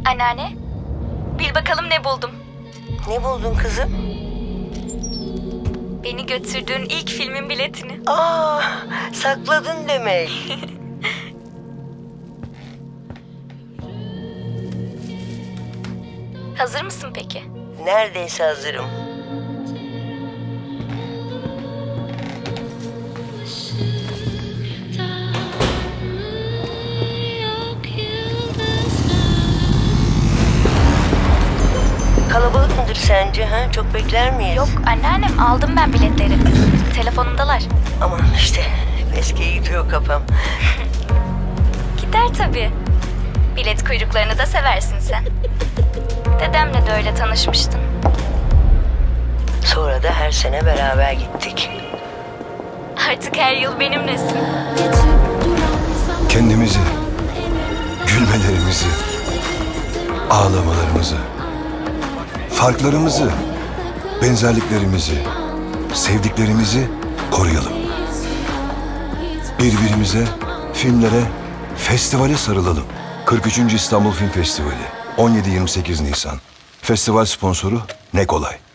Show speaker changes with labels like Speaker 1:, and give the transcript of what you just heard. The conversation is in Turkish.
Speaker 1: Anneanne, bil bakalım ne buldum.
Speaker 2: Ne buldun kızım?
Speaker 1: Beni götürdüğün ilk filmin biletini.
Speaker 2: Aa, sakladın demek.
Speaker 1: Hazır mısın peki?
Speaker 2: Neredeyse hazırım. Kalabalık mıdır sence? Ha? Çok bekler miyiz?
Speaker 1: Yok anneannem, aldım ben biletleri. Telefonumdalar.
Speaker 2: Aman işte eskiye gidiyor kafam.
Speaker 1: Gider tabii. Bilet kuyruklarını da seversin sen. Dedemle de öyle tanışmıştın.
Speaker 2: Sonra da her sene beraber gittik.
Speaker 1: Artık her yıl benimlesin.
Speaker 3: Kendimizi, gülmelerimizi, ağlamalarımızı, farklarımızı, benzerliklerimizi, sevdiklerimizi koruyalım. Birbirimize, filmlere, festivale sarılalım. 43. İstanbul Film Festivali 17-28 Nisan. Festival sponsoru Ne Kolay.